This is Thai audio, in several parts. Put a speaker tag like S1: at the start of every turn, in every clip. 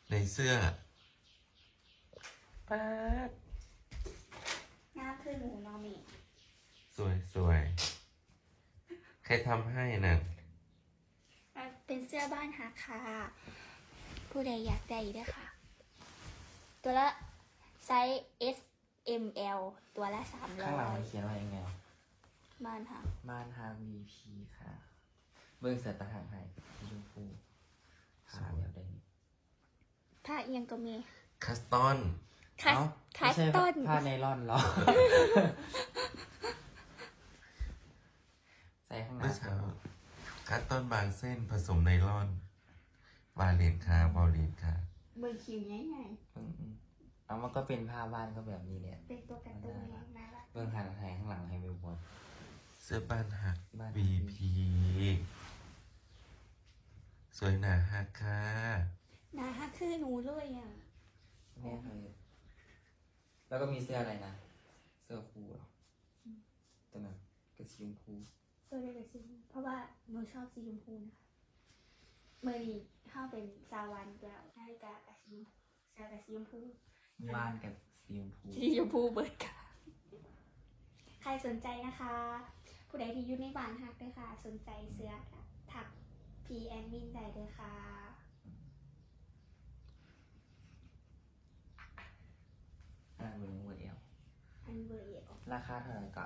S1: ในเสื้อป๊าด
S2: งามคือหนูนอมิ
S1: สวยใครทำให้น่ะ
S2: เป็นเสื้อบ้านฮักค่ะผู้ใดอยากได้ด้วยค่ะ ตัวละไซส์ S M L ตัวละ
S3: ข้างหลังมันเขียนว่ายังไง
S2: บ้านฮัก
S3: ม่านฮา VP ค่ะ เบิ้งเสือตะหางให้สีชมพูขาแบบได้นี่
S2: ผ้าเอียงก็มี
S1: คัสตอน
S2: คัส
S3: ไม่ใช่
S2: ต้น
S3: ผ้าไนล่อนหรอ ใส่ข้างหลั
S1: เมื่อง เช้าคัสตอนบางเส้นผสมไนลอนวาเลนคาวาเลนค่ะ
S2: เบอร์คิวง่าย
S3: เอามันก็เป็นผ้าบ้านก็แบบนี้เนี่ย
S2: ๆเป็นตัวการ์ตูนน่ารัก
S3: เบิ้งหันให้ข้างหลังให้วิวบอล
S1: เสื้อบ้านหัก
S3: บ้าน
S1: VP สวยหนาฮักค่ะ
S2: น่าฮักคือหนูเลยอ่ะ
S3: แม่เคยแล้วก็มีเสื้ออะไรนะ เสื้อครูเหรอตัวนั้นก็สีชมพู
S2: ตัวเล็กๆสีเพราะว่าหนูชอบสีชมพูนะคะเมื่อนี้เข้าเป็นซาวันแล้วนาฬิกากับสีเสื้อกับสีชมพู
S3: บ้านกับสีชมพู
S2: สีชมพูเบิร์ดค่ะ ใครสนใจนะคะ ผู้ใดที่อยู่ในบ้านฮักด้วยค่ะ สนใจเสื้อถักพีแอนมินได้เลยค่ะ
S3: เบิ้งเวอร์เอล
S2: อันเบอร์เอล
S3: ราคาเท่าไหร่กับ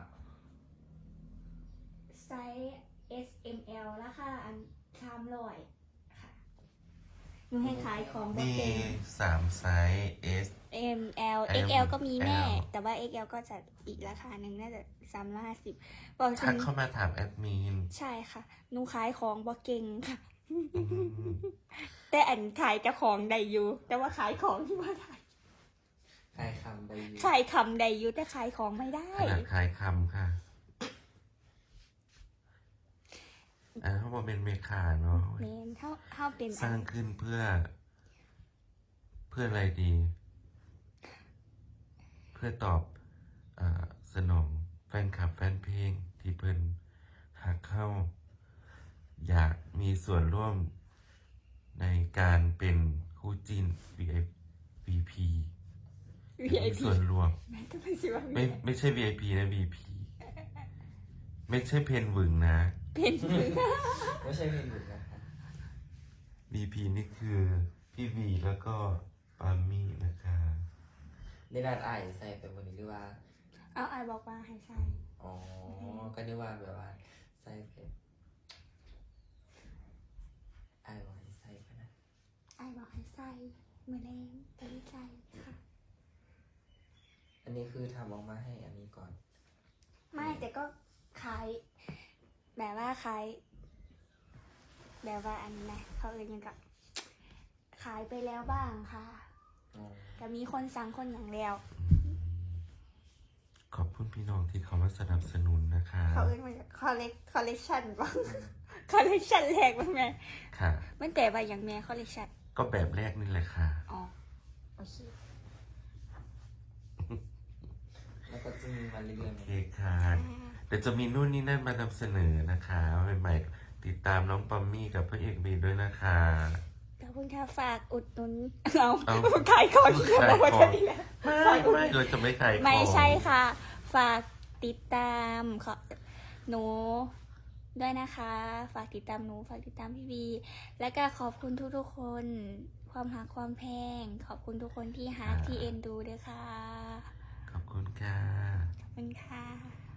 S2: ไซส์ S M L ราคาอัน300ค่ะหนูให้ขายของบ่
S1: มี
S2: เป็น
S1: 3 ไซส์ S
S2: M L X L ก็มีแม่ แต่ว่า X L ก็จะอีกราคาหนึ่งน่าจะ350บอกถึ
S1: ทัก
S2: ง
S1: เข้ามาถามแอดมิน
S2: ใช่ค่ะหนูขายของบ่เก่งค่ะ
S1: อืม
S2: แต่อันขายเจ้าของได้อยู่ แต่ว่าขายของที่ว่าได้
S3: ขายคำไปอยู่
S2: ขายคำได้อยู่แต่ขายของไม่ได้
S1: ขนาดขายคำค่ะเขาบอกเป็นเมคาเนาะ
S2: เมนเข้าเป็น
S1: สร้างขึ้นเพื่ออะไรดี เพื่อตอบสนองแฟนคลับแฟนเพลงที่เพิ่นหากเข้า อยากมีส่วนร่วมในการเป็นคู่จิ้น VIP มี
S2: VIP
S1: ส่วนรวม
S2: แม่ก็ไม่ใช่ว่า
S1: ไม่ใช่ VIP นะ VP ไม่ใช่เพนหวึงนะ
S2: เป็นมือ
S3: ไม่ใช่เพลงหยุดนะคะ
S1: VP นี่คือพี่วีแล้วก็ปามี่นะคะ
S3: ได้นัดไอ้ใส่ไปวันนี้หรือว่า
S2: เอาไอบอกว่าให้ใส่
S3: อ๋อ ก็นึกว่าแบบว่าใส่เพลงไอ้บอกให้ใส่ไปนะ
S2: ไอบอกให้ใส่มือแรงแต่ไม่ใส่ค่ะ
S3: อันนี้คือทำออกมาให้อันนี้ก่อน
S2: ไม่แต่ก็ขายแบบว่าขายแบบว่าอันนี้นะเขาเอ่ยยังกับขายไปแล้วบ้างค่ะ
S3: อ๋อ
S2: แต่มีคนสั่งคนอย่างแล้ว
S1: ขอบคุณพี่น้องที่เขามาสนับสนุนนะคะ
S2: เขาเอ่ยมาจากคอลเลกชันบ้างคอลเลกชันแรกบ้างไหม
S1: ค่ะ
S2: มันแต่ว่าอย่างแม่คอลเลกชัน
S1: ก็แบบแรกนี่แหละค่ะ
S2: อ๋อโอเค
S3: แล้วก็จะมีมาเรื่อย
S1: โอเคค่ะเดี๋ยวจะมีนู่นนี่นั่นมานำเสนอนะคะใหม่ๆติดตามน้องปอมมี่กับพระเอกบีด้วยนะคะ
S2: ขอบคุณค่ะฝากอุดหนุนเอา
S1: เอา
S2: ขายของที่เราบอกว่าจะดีแล้ว
S1: ไม่เราจะไม่ขายของ
S2: ไม่ใช่ค่ะ ฝากติดตามหนูด้วยนะคะ ฝากติดตามหนู ฝากติดตามพี่บีแล้วก็ขอบคุณทุกๆคน ความหักความแพง ขอบคุณทุกคนที่ฮักที่เอ็นดูด้วยค่ะ
S1: ขอบคุณค่ะ
S2: ขอบคุณค่ะ